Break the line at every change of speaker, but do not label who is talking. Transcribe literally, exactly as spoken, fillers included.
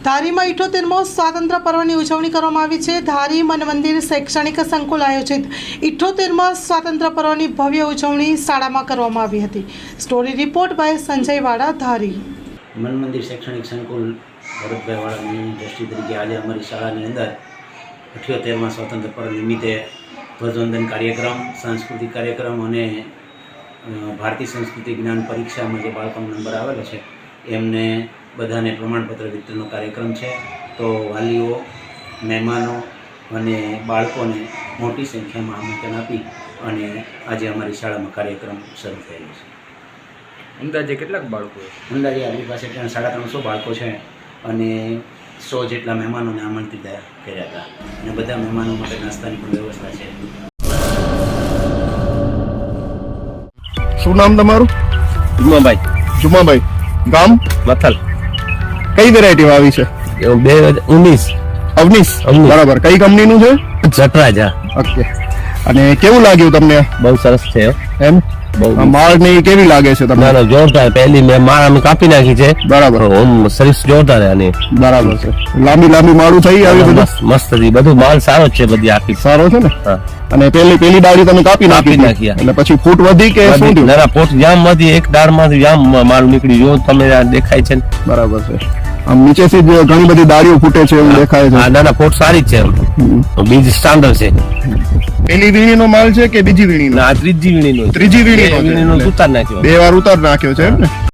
ધારીમાં ઇઠ્ઠોતેરમો સ્વાતંત્ર્ય પર્વની ઉજવણી કરવામાં આવી છે। ધારી મન મંદિર શૈક્ષણિક સંકુલ આયોજિત ઇઠ્ઠોતેરમા સ્વાતંત્ર્ય પર્વની ભવ્ય ઉજવણી શાળામાં કરવામાં આવી હતી। સ્ટોરી રિપોર્ટ બાય સંજય વાડા, ધારી।
મન મંદિર શૈક્ષણિક સંકુલ ભરતભાઈ વાળાની દ્રષ્ટિ તરીકે આજે અમારી શાળાની અંદર અઠ્યોતેરમાં સ્વાતંત્ર્ય પર્વ નિમિત્તે ધ્વજવંદન કાર્યક્રમ, સાંસ્કૃતિક કાર્યક્રમ અને ભારતીય સંસ્કૃતિ જ્ઞાન પરીક્ષામાં જે બાળકોનો નંબર આવેલો છે એમને બધાને પ્રમાણપત્ર વિતરણનો કાર્યક્રમ છે। તો વાલીઓ, મહેમાનો અને બાળકોને મોટી સંખ્યામાં આમંત્રણ આપી અને આજે અમારી શાળામાં કાર્યક્રમ શરૂ થયેલો છે।
અંદાજે કેટલાક બાળકો?
અંદાજે આપણી પાસે ત્યાં સાડા ત્રણસો બાળકો છે અને સો જેટલા મહેમાનોને આમંત્રિત કર્યા હતા અને બધા મહેમાનો માટે નાસ્તાની પણ વ્યવસ્થા છે।
શું નામ તમારું?
જુમાભાઈ।
જુમાભાઈ, ગામ
મથલ।
કઈ વેરાયટી આવી છે?
બે હજાર ઉન્નીસ
અવનીશ, બરાબર। કઈ કંપનીનું છે?
જટરાજા।
ઓકે, અને કેવું લાગ્યું તમને?
બહુ સરસ છે
એમ
બહુ
માળ ને ઈ કેવી લાગે છે તમને?
ના જોરદાર। પહેલી મેં માળ અમે કાપી નાખી છે,
બરાબર।
ઓમ સર્વિસ જોરદાર છે આની,
બરાબર છે। લાંબી લાંબી માળું થઈ આવી બધું?
મસ્ત મસ્ત હતી, બધું માલ સારો જ છે, બધી આખી
સારો છે ને?
હા।
અને પેલી પેલી ડાળી તમે કાપી નાખી
નાખી
એટલે પછી ફૂટ વધી કે શું થયું?
ના ના, પોટ જામ માંથી એક દાળ માંથી જામ માલ નીકળી, જો તમે આ દેખાય છે ને?
બરાબર છે। આમ નીચેથી જ ઘણી બધી ડાળીઓ ફૂટે છે એવું દેખાય છે।
હા, ના ના, પોટ સારી જ છે, બીજ સ્ટાન્ડર્ડ છે।
પેલી વીણીનો માલ છે કે બીજી વીણીનો?
ના, આ ત્રીજી વીણીનો,
ત્રીજી વીણીનો છે।
વીણીનો ઉતાર નાખ્યો,
બે વાર ઉતાર નાખ્યો છે એમ ને?